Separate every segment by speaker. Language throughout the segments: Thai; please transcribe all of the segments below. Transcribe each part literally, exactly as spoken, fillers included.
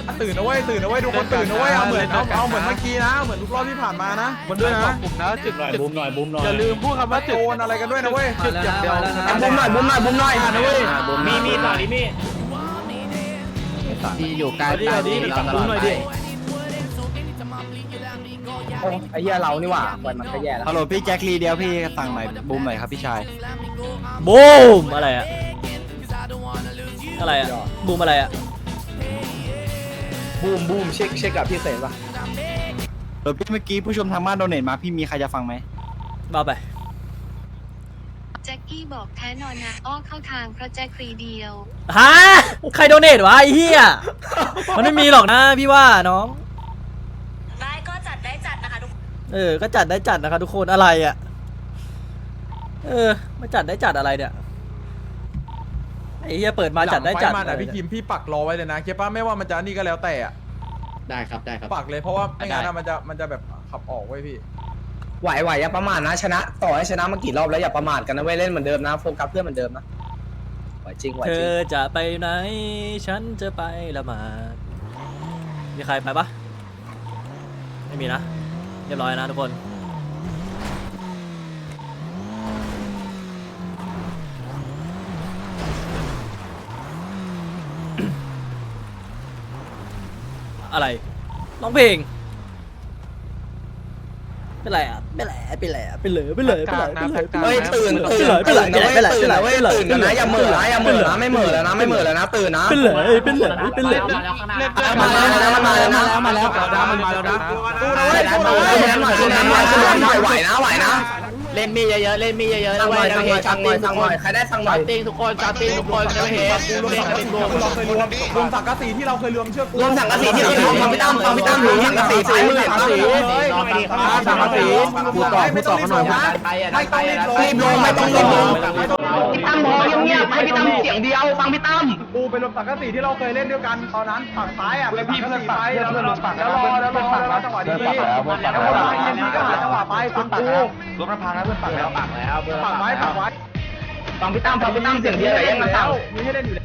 Speaker 1: ตื่นนะเว้ยตื่นนะเว้ยทุกคนตื่นนะเว้ยเอาเหมือนเอาเอาเหมือนเมื่อกี้นะเหมือนทุกรอบที่ผ่านมานะมันด้วยนะ
Speaker 2: กลุ่มนะจุดหน่อยบุมหน่อยบุมหน่อย
Speaker 1: อย่าลืมพูดคำว่าจุดโอนอะไรกันด้วยนะเว้ยจุดอย่างเดียว
Speaker 3: บุ้มหน่อยบุ้มหน่อยบุ้มหน่อยนะเว้ย
Speaker 2: มีมีต่อดิมี
Speaker 3: ดีอยู่ใกล้
Speaker 2: ดีดีตัดบุมหน่อยดิ
Speaker 3: โอ้ไอ้เหี้ยเรานี่หว่าปล่อยมันก็แย่แล้ว
Speaker 4: ฮัลโหลพี่แจ็คลีเดียวพี่สั่งหน่อยบูมหน่อยครับพี่ชาย
Speaker 5: บูมอะไรอะอะไรอะบูมอะไรอะ
Speaker 3: บูมบูมเช็คเช็คกับพี่เสนป่ะ
Speaker 4: เดี๋ยวพี่เมื่อกี้ผู้ชมทางบ้านโดเนทมาพี่มีใครจะฟังไหม
Speaker 5: บ้าไป
Speaker 6: แจ็คกี้บอกแท้นอนนะอ้อเข้าทางเพราะแจ็คฟรีเดียว
Speaker 5: ฮะใครโดเนทวะไอ้เหี้ยมันไม่มีหรอกนะพี่ว่าน้อง
Speaker 6: ได้ก็จัดได้จัดนะคะทุก
Speaker 5: เออก็จัดได้จัดนะครับทุกคนอะไรอะเออมาจัดได้จัดอะไรเนี่ยไอ้เหี้ยเปิดมาจัดได้จัด
Speaker 1: หลังฟมาพี่คิมพี่ปักรอไว้เลยนะเคป้าไม่ว่ามันจะนี่ก็แล้วแต่อะ
Speaker 2: ได้ครับได้ครับ
Speaker 1: ปักเลยเพราะว่าไม่งั้นมันจะมันจะแบบขับออกไว้พี่
Speaker 3: ไหวไหวอย่าประมาทนะชนะต่อให้ชนะมากี่รอบแล้วอย่าประมาทกันนะเว้ยเล่นเหมือนเดิมนะโฟกัสเพื่อนเหมือนเดิมนะไหวจริงไหว
Speaker 5: เธ
Speaker 3: จริง
Speaker 5: อจะไปไหนฉันจะไปละหมาดมีใครไปปะไม่มีนะเรียบร้อยนะทุกคนอะไรร้องเพลงเป็นไรอ่ะเป็นไรเป็นไรเป็นเลยเป็นเลยเป็นเลยเป็นเลย
Speaker 3: เฮ้ยตื่นตื่น
Speaker 5: เป็นเลย
Speaker 3: ตื่น
Speaker 5: เป็นเลย
Speaker 3: ตื่น
Speaker 5: เป็นเลย
Speaker 3: เว้ยตื่นกันนะอย่าเหม่อนะอย่าเหม่อนะไม่เหม่อแล้วนะไม่เหม่อแล้วนะตื่นนะ
Speaker 5: เป็นเลยเป็นเลยเป็นเลย
Speaker 3: มาแล้วมาแล้วมาแล้วมาแล้ว
Speaker 2: มันมาแล้วนะ
Speaker 1: ตู้นะเว้ยตู้นะเว้ย
Speaker 3: ขึ้นน้ำหน่อยขึ้นน้ำหน่อยขึ้นน้ำหน่อยไหวนะไหวนะ
Speaker 2: เล่นมีเยอะๆเล่นมีเยอะๆ
Speaker 3: สั่
Speaker 2: นะ
Speaker 3: งห
Speaker 2: เว้
Speaker 3: น่อย
Speaker 2: ย
Speaker 3: สั่งหน่อยสั่งหน่อยสั่งหน่อยใครได้สั่งหน่อย
Speaker 2: ติ้งทุกคนจัดติ้งทุกคนจะเห็น
Speaker 1: รวมสังกะสีที่เราเคยรวมรวมสังกะสีที่เราเคยรวมเชือก
Speaker 3: รวมสังกะสีที่เคยทำฟังพี่ตั้มฟังพี่ตั้มถึงสังกะสีสายมือสังกะสี
Speaker 1: สังกะสีพูดต่อพูดต่อกันหน่อย
Speaker 2: ไปอ่ะ
Speaker 1: ไม่ต้องรีบ
Speaker 3: รีบลงไม่ต้องรีบลงพี่ตั้มพอเงียบๆให้พี่ตั้มเสียงเดียวฟังพี่ตั้ม
Speaker 1: ปูไปรวมสังกะสีที่เราเคยเล่นด้วยกันตอนนั้นฝั่งซ้ายอ่ะเป็นสังกะสีไปแล้วรวมฝั่งแล้วรอแล้วรอแล้วจังหวะดีๆแล้วคนมายินดีก็หาจังหวะไปฟังกูรวมน้ำพังแล้วเพื่อนปักแล้วปักแล้วปักไว้ปักไว้
Speaker 3: ฟังพี่ตั้มฟังพี่ตั้มเสียงเดียวอย่าแย่งกันตั้ม
Speaker 1: มีให้เล่นอยู่แล้ว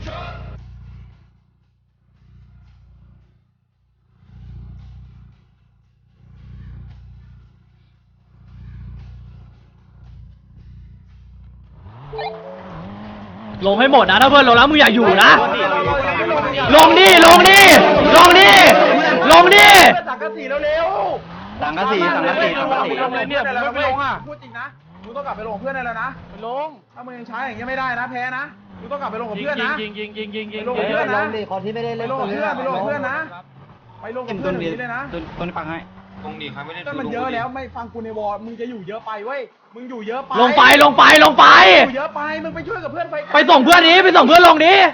Speaker 5: ลงให้หมดนะถ้าเพื่อนลงแล้วมึงอย่าอยู่นะลงดิลงดิลงดิลงดิ
Speaker 1: สังกะสีเร็ว
Speaker 4: สังกะสีสังกะสีสังกะสี
Speaker 1: เนี่ยมึงไม่ลงอ่ะพูดจริงนะมึงต้องกลับไปลงเพื่อนได้แล้วนะไปลงถ้ามึงยังใช้อย่างเงี้ยไม่ได้นะแพ้นะมึงต้องกลับไปลงกับเพื่อนนะ
Speaker 2: ยิงยิงยิงยิงยิง
Speaker 1: ไปลงกับเพื่อนนะคนที่ไม่ได้เล่นไปลงกับเพื่อนไปลงกับเพื่อนนะไปลงกับเพื่อนนี้เลยนะ
Speaker 4: ต้นต้นฟังให้
Speaker 1: ก็มันเยอะแล้วไม่ฟังกูในวอร์มึงจะอยู่เยอะไปเว้ยมึงอยู่เยอะไป
Speaker 5: ลงไปลงไปลงไป
Speaker 1: อยู่เยอะไปมึงไปช่วยกับเพื่อนไฟ
Speaker 5: ไปส่งเพื่อนนี้ไปส่งเพื่อนลงนี้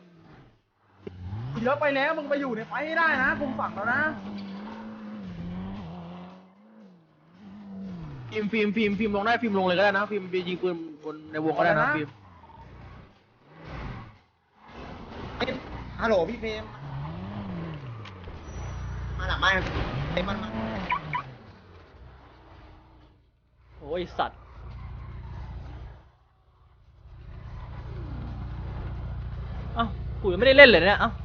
Speaker 1: เยอะไปแล้วมึงไปอยู่ในไฟให้ได้นะคุมฝั่งแล้วนะ
Speaker 2: ฟิล์มฟิล์มฟิล์มฟิล์มลงได้ฟิล์มลงเลยก็ได้นะฟิล์มไปยิงปืนบนในวงก็ได้นะฟิล์ม
Speaker 3: ฮัลโหลพี่เพมมาหลังบ้านเต็มมันมา
Speaker 5: โอ้ยสัตว์เอ้ากูยังไม่ได้เล่นเลยเนี่ยเอ้า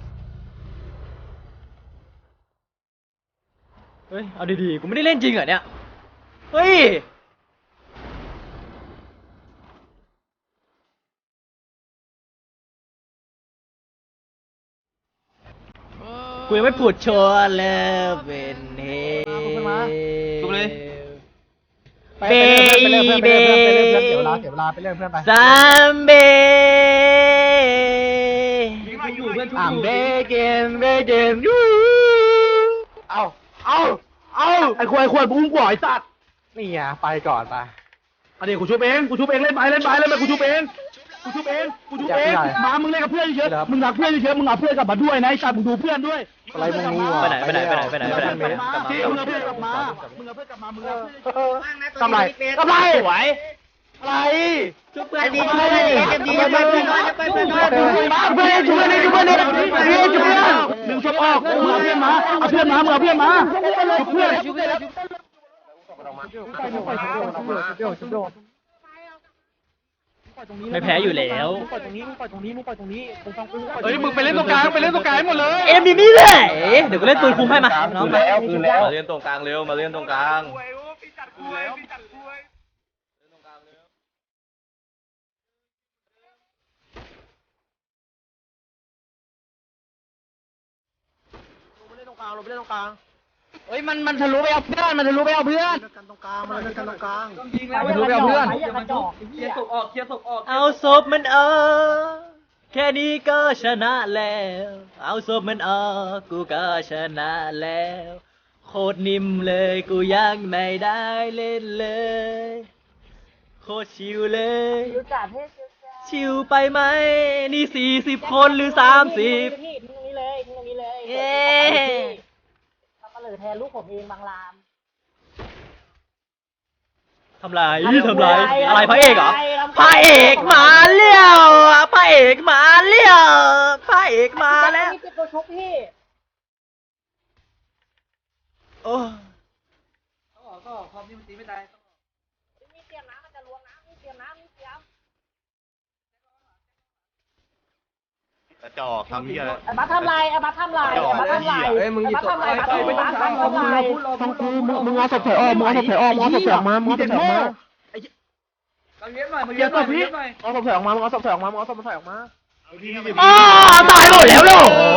Speaker 5: เฮ้ยเอาดีๆกูไม่ได้เล่นจริงเหรอเนี่ยเฮ้ยกูยังไม่พูดโชว์เลยเป็นเฮทุบเลยเบเบซัมเบอัมเบเกมเบเกมยูเอาเอาเอาไอ้ควายควายบุ้งกว่าไอ้สัตว์นี่ไงไปก่อนไปอันนี้กูชุบเองกูชุบเองเล่นไปเล่นไปเล่นไปกูชุบเองกูชุบเองกูชุบเองมามึงเล่นกับเพื่อนเยอะมึงรักเพื่อนเยอะมึงเอาเพื่อนกลับมาด้วยนะไอ้สัตว์มึงดูเพื่อนด้วยอะไรมึงนี่วะไปไหนไปไหนไปไหนไปไหนไปไหนไปไหนที่มึงเอาเพื่อนกลับมามึงเอาเพื่อนกลับมามึงเอาเพื่อนทำไรทำไรสวยอะไรชุบเพื่อนดีชุบเพื่อนดีไปเพื่อนไปเพื่อนมาเพื่อนชุบเพื่อนชุบเพื่อนชุบเพื่อนชุบเพื่อนหนึ่งชุบออกมึงเอาเพื่อนมาเอาเพื่อนมามึงเอาเพื่อนมาชุบเพื่อนชุบเพื่อน
Speaker 2: ไม่แพ้อยู่แล้ว
Speaker 5: มึงปล่อยตรงนี้มึงปล่อยตรงนี้มึงปล่อยตรงนี้มึงฟังกู
Speaker 1: เฮ้ยมึงไปเล่นตรงกลางไปเล่นตรงกลางหมดเลย
Speaker 2: เอ็มดีนี่แหละเดี๋ยวกูเล่นปืนคุ้มให้มาน้องมา
Speaker 1: มาเล่นตรงกลางเร็วมาเล่นตรงกลาง
Speaker 5: เล่นตรงกลางเราไปเล่นตรงกลาง
Speaker 2: เฮ้ยมันมันทะลุไปเอาเพื่อนมันทะลุไปเอาเพื่อน
Speaker 5: กันตรงกลางมาเล่นกันตรงกลาง
Speaker 2: ทะลุไปเอาเพื่อน
Speaker 1: เคลียร์ศพออกเคลียร์ศพออก
Speaker 2: เอาศพมันออกแค่นี้ก็ชนะแล้วเอาศพมันออกกูก็ชนะแล้วโคตรนิ่มเลยกูยังไม่ได้เล่นเลยโคตรชิวเลยชิวไปไหมนี่สี่สิบคนหรือสามสิบ
Speaker 7: พี่ตรงนี้เลยตรงนี้เลย
Speaker 2: เอ๊ะ
Speaker 7: ทำมาเลยแทนลูกผมเองบางราม
Speaker 2: ทำไรทำไรอะไรพระเอกเหรอพระเอกมาเลี้ยวพระเอกมาเลี้ยวพระเอกมาแล้ว
Speaker 7: นี่เป็นตัวชุบพี่
Speaker 2: โอ้
Speaker 7: มีเตรียมน้ำมันจะลวงน้ำมีเตรียมน้ำมีเตรียม
Speaker 1: กระจอกทำเหี้ยอะไร
Speaker 7: ไอ้บัตทำไรไอ้บัตทำไรไอ้บัตทำไรไอ้บัตทำไรบัตทำไรบัตทำไร
Speaker 5: ฟังกูมึงมึงเอาศพถอยออกมึงเอาศพถอยออกมึงเอาศพถอยออกมามึงเอาศพถอยออกมา
Speaker 1: เลี้ยงหน่อยมึง
Speaker 5: เดี๋
Speaker 1: เลี้
Speaker 5: ย
Speaker 1: ยว ง
Speaker 5: ศ
Speaker 1: หน่อย
Speaker 5: พ
Speaker 1: มึง
Speaker 5: พี่
Speaker 1: เลี้ยงหน่อย
Speaker 5: เอาศพถอยออกมามึงเอาศพถอยออกมามึงเอาศพถอยออกมา
Speaker 2: ตายหมดแล้วเหรอ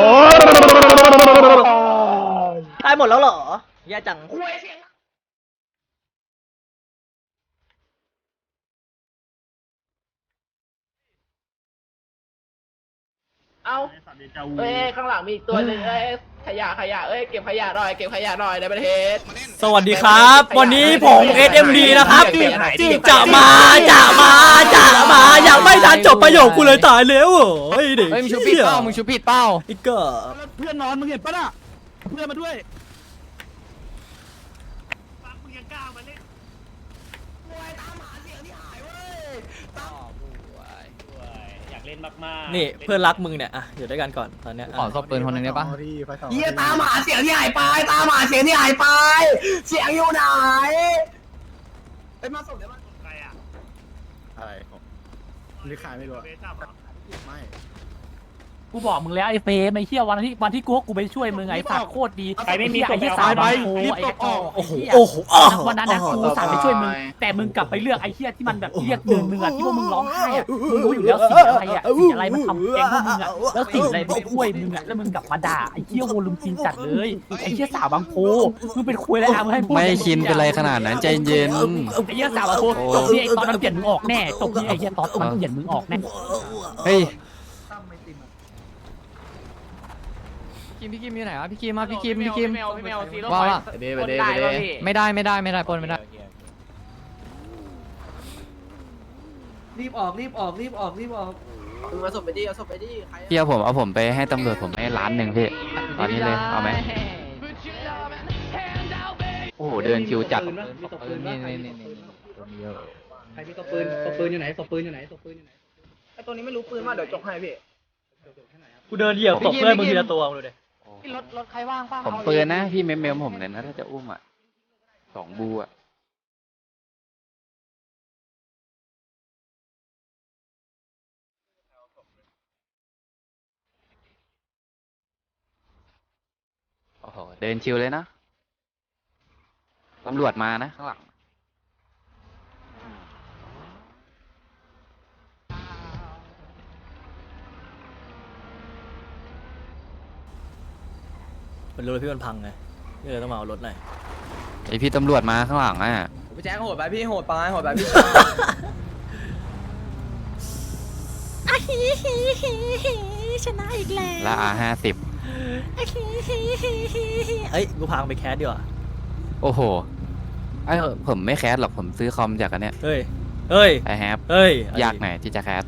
Speaker 2: ตายหมดแล้วเหรอแย่จัง
Speaker 5: เอาเอ้ยข้างหลังมีอีกตัวหนึ่งเอ้ยขยะขยะเอ้ยเก็บขยะหน่อยเก็บขยะหน่อยในประเทศ
Speaker 2: สวัสดีครับ วันนี้ผม เอส เอ็ม ดี นะครับจะมาจะมาจะมายังไม่ทันจบประโยคกูเลยตายแล้วเฮ้ยเด็ก
Speaker 3: เฮ้ยมึงชูปิดเป้ามึงชูปิดเป้า
Speaker 2: อีกก็
Speaker 4: เพื่อนนอนมึงเห็นปะน่ะเพื่อนมาด้วย
Speaker 2: นี่เพื่อนรักมึงเนี่ยอ่ะอยู่ด้วยกันก่อนตอนเนี้ย
Speaker 3: ขอศพปืนคนหนึ่งได้ปะ
Speaker 5: เฮียตามหาเสียงที่หายไปตามหาเสียงที่หายไป เสียงอยู่ไหนไอ้มาส่งเดี๋ยวมา
Speaker 4: อะไรของหรือขายไม่รู้อะไม่
Speaker 7: กูบอกมึงแล้วไอ้เฟมไอ้เหี้ยวันที่วันที่กูกูไปช่วยมึงไอ้สัตว์โคตรดีไอ้เหี้ยไอ้เหี้ยสาวบางโพไอ้กระจอก
Speaker 2: โอ้โหโอ้โหอ้าว
Speaker 7: วันนั้นนะกูสั่งไปช่วยมึงแต่มึงกลับไปเลือกไอ้เหี้ยที่มันแบบเรียกเดินมึงอะที่ว่ามึงร้องไห้อะมึงรู้อยู่แล้วสีอะไรอะสีอะไรมันทำแกงพวกมึงอะแล้วสีอะไรไปช่วยมึงอะแล้วมึงกลับมาด่าไอ้เหี้ยโวลุมซีนจัดเลยไอ้เหี้ยสาวบางโพมึงเป็นคุยแล้วอะมึงให้พูด
Speaker 3: ไม่คินเป็นไรขนาดนั้นใจเย็น
Speaker 7: ไอ้เหี้ยสาวบางโพจบที่ไอ้ตอนมันเปลี่ยนมึงออกแน่จบที่ไอ้เหี้ยตอนมันเปลี่ยนมึงออกแน่
Speaker 3: เฮ้ยคิมพี่คิมอยู่ไหนวะพี่คิมมาพี่คิมพี่คิมว่าว่าไม่ได้ไม่ได้ไม่ได้ปนไม่ได้
Speaker 1: รีบออกรีบออกรีบออกรีบออก
Speaker 5: มึงเอาศพไปดิเอาศพไปดิใคร
Speaker 3: พี่เอาผมเอาผมไปให้ตำรวจผมให้ล้านหนึ่งพี่ตอนนี้เลยเอาไหมโอ้โหเดินคิวจัดนี่นี่นี่นี่
Speaker 2: ใครมีตัวปืนตัวปืนอยู่ไหนตัวปืนอยู่ไหนตัวปืนอยู่ไหน
Speaker 5: ไอ้ตัวนี้ไม่รู้ปืนมาเดี๋ยวจกให้พี่
Speaker 2: กูเดินเหยียบตบเพื่อนมึงทีละตัวดูดิ
Speaker 7: รถรถใครว่างป่ะ
Speaker 3: ผมปืนนะพี่เมมเมมผมเลยนะถ้าจะอุ้มอ่ะสองบูอ่ะโอ้โหเดินชิวเลยนะตำรวจมานะข้างหลัง
Speaker 2: มันรู้เลยพี่มันพังไงพี่เลยต้องมาเอารถหน่อย
Speaker 3: ไอพี่ตำรวจมาข้างหลังอ่ะ
Speaker 1: พี่แจ๊คโหดไปพี่โหดไปโหดไปพี่
Speaker 7: ชนะอีกแล้ว
Speaker 3: ละอาห้าสิบ
Speaker 2: เอ้ยกูพังไปแคสดีกว่า
Speaker 3: โอ้โหไอผมไม่แคสหรอกผมซื้อคอมจากอันเนี้ย
Speaker 2: เฮ้ยเฮ้ย
Speaker 3: ไอแฮป
Speaker 2: เฮ้ย
Speaker 3: ยากหน่อยที่จะแคส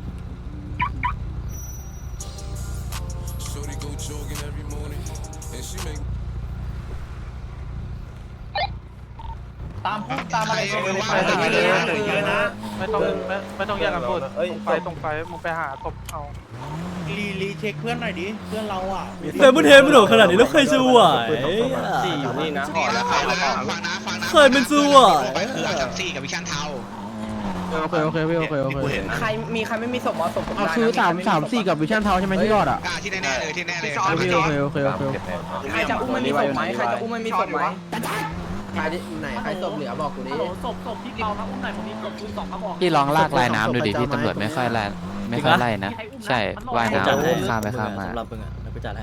Speaker 1: ตามตามอะไรไปตรงนี้เลยนะไม่ต้องไม่ไม่ต้องแยกกันพูดไปตรงไปมึงไปหาศพเอา
Speaker 4: รีรีเช็คเพื่อนหน่อยดิเพื่อนเราอ่ะ
Speaker 2: แต่มันเทมันโดดขนาดนี้แล้วใครจะไหว
Speaker 1: สี่อยู่นี่นะ
Speaker 8: ฟังนะฟังนะฟังนะ
Speaker 2: เคยเป็นสู้อ่ะ
Speaker 8: ไปคืออาจับซี่กับวิชันเทา
Speaker 5: โอเคโอเคพี่โอเคโอเค
Speaker 3: ใครมีใครไม่มีศพเอาศพผม
Speaker 5: เอา
Speaker 3: ได้นะ
Speaker 5: คือสาม
Speaker 3: ใครไ
Speaker 5: สามสี่กับวิชั่นเทาใช่ไหมที่รอดอ่ะ
Speaker 8: ที่แน่ๆเลยที่แน่เลย
Speaker 5: โอเคโอเคโอเคโอเค
Speaker 3: ใครจะอุ้มไม่มีศพไหมใครจะอุ้มไม่มีศพไหมใครไหนใครศพเหลือบอกกูดิ
Speaker 7: ฮัลโหลศพศพที่เรามาอุ้มหน่อยผมมีศพคุณสองกระบอก
Speaker 9: พี่ลองลากลายน้ำดูดิพี่ตำรวจไม่ค่อยไล่ไม่ค่อยไล่นะ ใช่ว่าย
Speaker 2: กูจัดให้
Speaker 9: น้ำข้ามไปข้ามมา
Speaker 2: สำหรับมึงอ่ะเดี๋ยวกูจัดให้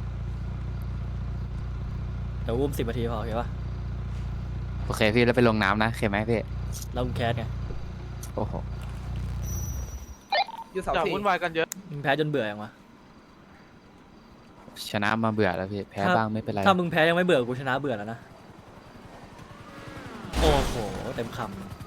Speaker 2: เดี๋ยวอุ้มสิบนาทีพอโอเคปะ
Speaker 9: โอเคพี่แล้วไปลงน้ำนะโอเคไหมพี่
Speaker 2: แล้วมึงแคสไง
Speaker 9: โอ้โห
Speaker 3: อยู่เสา
Speaker 1: อย่า
Speaker 3: สี่
Speaker 1: วุ่นวายกันเยอะ
Speaker 2: มึงแพ้จนเบื่อยังวะ
Speaker 9: ชนะมาเบื่อแล้วพี่แพ้
Speaker 2: ถ้า
Speaker 9: บ้างไม่เป็นไร
Speaker 2: ถ้ามึงแพ้ยังไม่เบื่อกูชนะเบื่อแล้วนะโอ้โหเต็มคำ